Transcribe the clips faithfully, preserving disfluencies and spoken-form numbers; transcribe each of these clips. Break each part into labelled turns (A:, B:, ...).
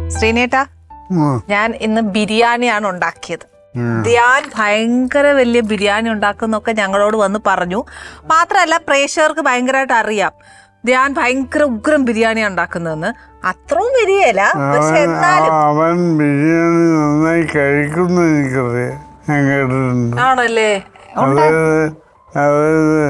A: ശ്രീനേട്ടാ, ഞാൻ ഇന്ന് ബിരിയാണിയാണ് ഉണ്ടാക്കിയത്. ധ്യാൻ ഭയങ്കര വലിയ ബിരിയാണി ഉണ്ടാക്കുന്നൊക്കെ ഞങ്ങളോട് വന്ന് പറഞ്ഞു. മാത്രമല്ല പ്രേക്ഷകർക്ക് ഭയങ്കരമായിട്ട് അറിയാം ധ്യാൻ ഭയങ്കര ഉഗ്രം ബിരിയാണി ഉണ്ടാക്കുന്നതെന്ന്. അത്രയും വരികയല്ല, പക്ഷെ എന്നാലും
B: അവൻ ബിരിയാണി നന്നായി കഴിക്കുന്ന എനിക്കറിയാം, ഞാൻ കേട്ടിട്ടുണ്ട്.
A: ആണല്ലേ?
B: അതായത് അതായത്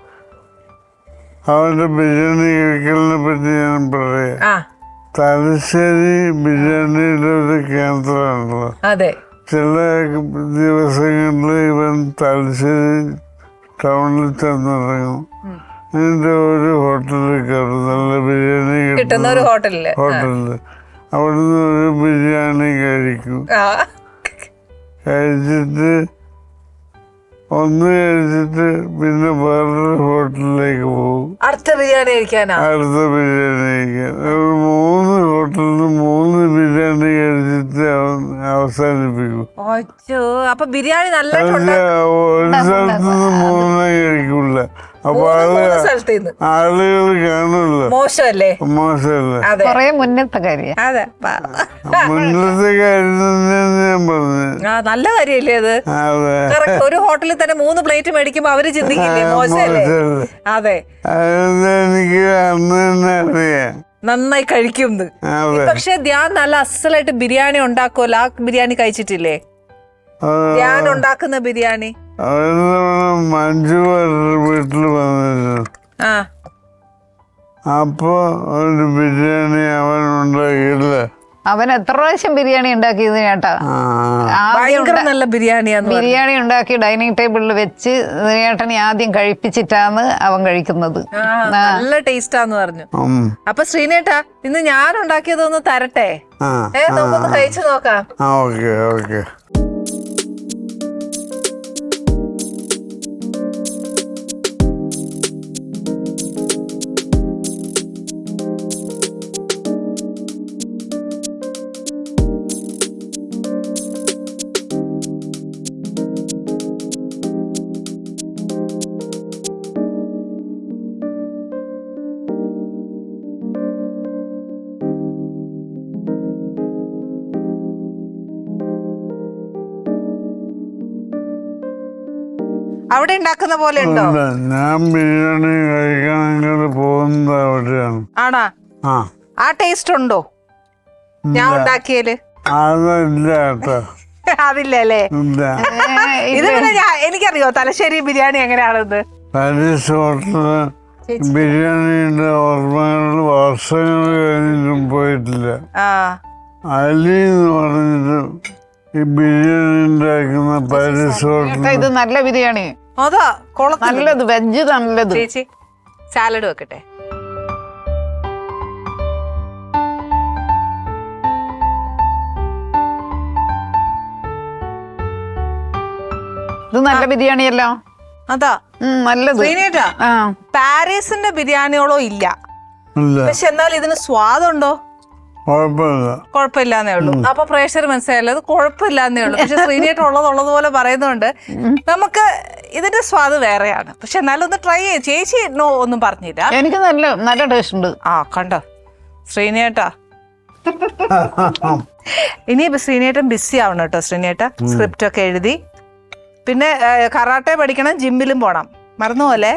B: അവന്റെ ബിരിയാണി കഴിക്കലിനെ പറ്റി ഞാൻ പറയാം. തലശ്ശേരി ബിരിയാണിയുടെ ഒരു കേന്ദ്രമാണല്ലോ.
A: അതെ.
B: ചില ദിവസങ്ങളിൽ ഇവൻ തലശ്ശേരി ടൗണിൽ ചെന്നിറങ്ങും. അതിന്റെ ഒരു ഹോട്ടലിൽ കയറും, നല്ല ബിരിയാണി കിട്ടുന്ന ഒരു ഹോട്ടലില് ഹോട്ടലില് അവിടുന്ന് ഒരു ബിരിയാണി കഴിക്കും. കഴിച്ചിട്ട് ഒന്ന് കഴിച്ചിട്ട് പിന്നെ വേറൊരു ഹോട്ടലിലേക്ക് പോകും, അടുത്ത ബിരിയാണി കഴിക്കാനാ അടുത്ത ബിരിയാണി കഴിക്കാൻ. ഒരു മൂന്ന് ഹോട്ടലിൽ മൂന്ന് ബിരിയാണി കഴിച്ചിട്ട് അവൻ അവസാനിപ്പിക്കും.
A: അപ്പൊ ബിരിയാണി നല്ല
B: ഒരു സ്ഥലത്ത് നിന്ന് മൂന്നെണ്ണം കഴിക്കൂല. അപ്പൊ ആള് ആളുകൾ കാണുമല്ലോ. മോശമല്ലേ? മോശമല്ലേ?
C: മുന്നത്തെ കാര്യം
B: മുന്നത്തെ കാര്യം തന്നെയാണ് ഞാൻ പറഞ്ഞത്.
A: നല്ല കാര്യല്ലേ അത്? ഒരു ഹോട്ടലിൽ തന്നെ മൂന്ന് പ്ലേറ്റ് മേടിക്കുമ്പോ അവര് ചിന്തിക്കില്ലേ മോശമല്ലേ? അതെ,
B: എനിക്ക് അന്ന് തന്നെ അറിയാം
A: നന്നായി കഴിക്കും. പക്ഷെ ധ്യാൻ നല്ല അസലായിട്ട് ബിരിയാണി ഉണ്ടാക്കുമല്ലോ. ആ ബിരിയാണി കഴിച്ചിട്ടില്ലേ? ധ്യാൻ ഉണ്ടാക്കുന്ന ബിരിയാണി
B: മഞ്ജു വീട്ടിൽ വന്നിരുന്നു. അപ്പൊ ഒരു ബിരിയാണി അവൻ ഉണ്ടാക്കിയില്ല.
C: അവൻ എത്ര പ്രാവശ്യം ബിരിയാണി ഉണ്ടാക്കിയത് ചേട്ടാ.
A: നല്ല ബിരിയാണിയാണ്.
C: ബിരിയാണി ഉണ്ടാക്കി ഡൈനിങ് ടേബിളിൽ വെച്ച് ചേട്ടനെ ആദ്യം കഴിപ്പിച്ചിട്ടാണ് അവൻ കഴിക്കുന്നത്.
A: നല്ല ടേസ്റ്റാന്ന് പറഞ്ഞു. അപ്പൊ ശ്രീനേട്ടാ, ഇന്ന് ഞാൻ ഉണ്ടാക്കിയതൊന്ന് തരട്ടെ? ഏ നമുക്കൊന്ന് കഴിച്ചു നോക്കാം.
B: Okay okay.
A: അവിടെ ഉണ്ടാക്കുന്ന പോലെ ഉണ്ടോ?
B: ഞാൻ ബിരിയാണി കഴിക്കാൻ പോകുന്നത് അവിടെയാണ്.
A: ആണാ? ആ ടേസ്റ്റ് ഉണ്ടോ ഞാൻ ഉണ്ടാക്കിയല്?
B: അതില്ല കേട്ടോ.
A: അതില്ല അല്ലേ? ഇത് പിന്നെ എനിക്കറിയോ തലശ്ശേരി ബിരിയാണി എങ്ങനെയാണെന്ന്.
B: പാരീസ് ഹോട്ടല് ബിരിയാണിയുടെ ഓർമ്മകൾ വർഷങ്ങൾ കഴിഞ്ഞിട്ടും പോയിട്ടില്ല. അലി എന്ന് പറഞ്ഞിട്ട് ഈ ബിരിയാണി ഉണ്ടാക്കുന്ന പാരീസ് ഹോട്ടൽ.
C: ഇത് നല്ല ബിരിയാണി.
A: അതാ
C: നല്ലത്, വെജ് നല്ലത്.
A: ചേച്ചി സാലഡ് വെക്കട്ടെ?
C: ഇത് നല്ല ബിരിയാണിയല്ലോ.
A: അതാ
C: നല്ലത്.
A: ശ്രീനേട്ടാ, പാരീസിന്റെ ബിരിയാണിയോളോ ഇല്ല, പക്ഷെ എന്നാൽ ഇതിന് സ്വാദുണ്ടോ? കുഴപ്പമില്ലാന്നേ ഉള്ളൂ. അപ്പൊ പ്രേഷർ മനസ്സിലായല്ലോ, അത് കുഴപ്പമില്ലാന്നേ ഉള്ളൂ. പക്ഷെ ശ്രീനേട്ടൻ ഉള്ളത് ഉള്ളതുപോലെ പറയുന്നുണ്ട്. നമുക്ക് ഇതിന്റെ സ്വാദ് വേറെയാണ്, പക്ഷെ എന്നാലും ഒന്ന് ട്രൈ ചെയ്യും. ചേച്ചി നോ ഒന്നും പറഞ്ഞില്ല.
C: എനിക്ക് നല്ല നല്ല ടേസ്റ്റ് ഉണ്ട്.
A: ആ കണ്ടോ ശ്രീനേട്ടാ. ഇനി ശ്രീനേട്ടൻ ബിസി ആവണം കേട്ടോ. ശ്രീനേട്ട സ്ക്രിപ്റ്റ് ഒക്കെ എഴുതി, പിന്നെ കറാട്ടെ പഠിക്കണം, ജിമ്മിലും പോണം, മറന്നുപോലെ.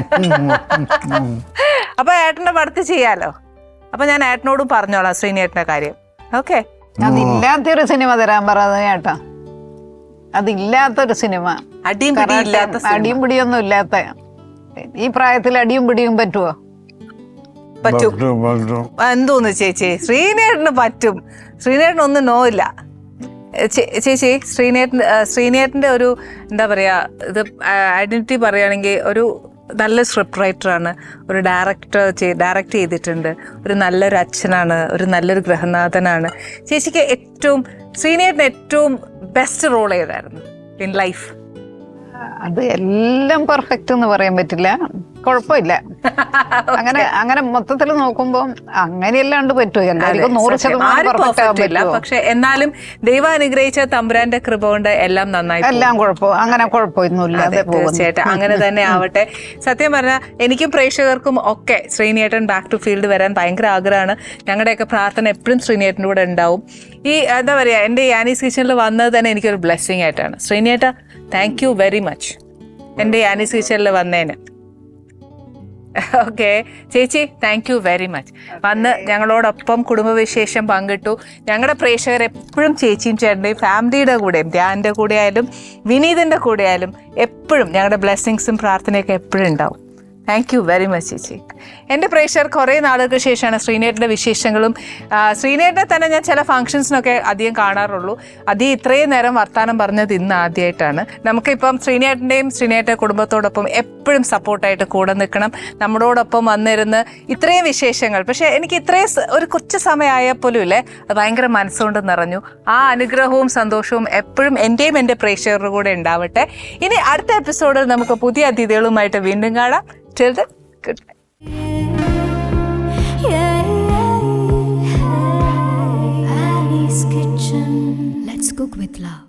A: അപ്പൊ ഏട്ടന്റെ പടത്ത് ചെയ്യാലോ. അപ്പൊ ഞാൻ ഏട്ടനോടും പറഞ്ഞോളാം ശ്രീനേട്ടന്റെ കാര്യം. ഓക്കെ.
C: അതില്ലാത്തൊരു സിനിമ തരാൻ പറയാ ചേട്ടാ. അതില്ലാത്തൊരു സിനിമ,
A: അടിയും പിടിയില്ലാത്ത,
C: അടിയും പിടിയൊന്നും ഇല്ലാത്ത. ഈ പ്രായത്തിൽ അടിയും പിടിയും പറ്റുമോ?
A: പറ്റും. എന്തോന്ന് ചേച്ചി, ശ്രീനേട്ടന് പറ്റും. ശ്രീനേട്ടനൊന്നും നോ ഇല്ല ചേച്ചി. ശ്രീനേട്ടൻ ശ്രീനേട്ടന്റെ ഒരു എന്താ പറയാ, ഇത് ഐഡന്റിറ്റി പറയുകയാണെങ്കിൽ ഒരു നല്ല സ്ക്രിപ്റ്റ് റൈറ്ററാണ്, ഒരു ഡയറക്ടർ ഡയറക്റ്റ് ചെയ്തിട്ടുണ്ട്, ഒരു നല്ലൊരു അച്ഛനാണ്, ഒരു നല്ലൊരു ഗൃഹനാഥനാണ്. ചേച്ചിക്ക് ഏറ്റവും ശ്രീനേട്ടന് ഏറ്റവും ബെസ്റ്റ് റോൾ ഏതായിരുന്നു ഇൻ ലൈഫ്?
C: അത് എല്ലാം പെർഫെക്റ്റ് എന്ന് പറയാൻ പറ്റില്ല. കുഴപ്പമില്ല. അങ്ങനെ അങ്ങനെ മൊത്തത്തിൽ നോക്കുമ്പോൾ അങ്ങനെയല്ലാണ്ട് പറ്റുമോ? എല്ലാവർക്കും നൂറ് ശതമാനം പെർഫെക്റ്റ് ആവാൻ
A: പറ്റില്ല,
C: പറ്റുമോ?
A: പക്ഷെ എന്നാലും ദൈവം അനുഗ്രഹിച്ച തമ്പുരാന്റെ കൃപ കൊണ്ട് എല്ലാം നന്നായി പോകും.
C: എല്ലാം കുഴപ്പം അങ്ങനെ കുഴപ്പമൊന്നുമില്ല.
A: അതെ, തീർച്ചയായിട്ടും അങ്ങനെ തന്നെ ആവട്ടെ. സത്യം പറഞ്ഞാൽ എനിക്കും പ്രേക്ഷകർക്കും ഒക്കെ ശ്രീനേട്ടൻ ബാക്ക് ടു ഫീൽഡ് വരാൻ ഭയങ്കര ആഗ്രഹമാണ്. ഞങ്ങളുടെയൊക്കെ പ്രാർത്ഥന എപ്പോഴും ശ്രീനേട്ടൻ്റെ കൂടെ ഉണ്ടാവും. ഈ എന്താ പറയുക, എൻ്റെ യാനീസ് കിച്ചണിൽ വന്നത് തന്നെ എനിക്കൊരു ബ്ലെസ്സിങ് ആയിട്ടാണ്. ശ്രീനേട്ട, താങ്ക് യു വെരി മച്ച് എൻ്റെ യാനീസ് കിച്ചണിൽ വന്നതിന്. ഓക്കെ ചേച്ചി, താങ്ക് യു വെരി മച്ച്. വന്ന് ഞങ്ങളോടൊപ്പം കുടുംബവിശേഷം പങ്കിട്ടു. ഞങ്ങളുടെ പ്രേക്ഷകർ എപ്പോഴും ചേച്ചിയും ചേട്ടൻ്റെയും ഫാമിലിയുടെ കൂടെയും ധ്യാനിൻ്റെ കൂടെ ആയാലും വിനീതിൻ്റെ കൂടെ ആയാലും എപ്പോഴും ഞങ്ങളുടെ ബ്ലെസ്സിങ്സും പ്രാർത്ഥനയൊക്കെ എപ്പോഴും ഉണ്ടാവും. താങ്ക് യു വെരി മച്ച് ചേച്ചി. എൻ്റെ പ്രേക്ഷകർ കുറേ നാളുകൾക്ക് ശേഷമാണ് ശ്രീനേട്ടൻ്റെ വിശേഷങ്ങളും. ശ്രീനേട്ടനെ തന്നെ ഞാൻ ചില ഫംഗ്ഷൻസിനൊക്കെ അധികം കാണാറുള്ളൂ. അധികം ഇത്രയും നേരം വർത്തമാനം പറഞ്ഞത് ഇന്ന് ആദ്യമായിട്ടാണ്. നമുക്കിപ്പം ശ്രീനേട്ടൻ്റെയും ശ്രീനേട്ട കുടുംബത്തോടൊപ്പം എപ്പോഴും സപ്പോർട്ടായിട്ട് കൂടെ നിൽക്കണം, നമ്മളോടൊപ്പം വന്നിരുന്ന് ഇത്രയും വിശേഷങ്ങൾ. പക്ഷേ എനിക്ക് ഇത്രയും ഒരു കൊച്ചു സമയമായാൽ പോലും ഇല്ലേ, അത് ഭയങ്കര മനസ്സുകൊണ്ട് നിറഞ്ഞു. ആ അനുഗ്രഹവും സന്തോഷവും എപ്പോഴും എൻ്റെയും എൻ്റെ പ്രേക്ഷകരുടെ കൂടെ ഉണ്ടാവട്ടെ. ഇനി അടുത്ത എപ്പിസോഡിൽ നമുക്ക് പുതിയ അതിഥികളുമായിട്ട് വീണ്ടും കാണാം. Till then, good night.
D: Yeah, yeah, yeah. Annie's Kitchen. Let's cook with love.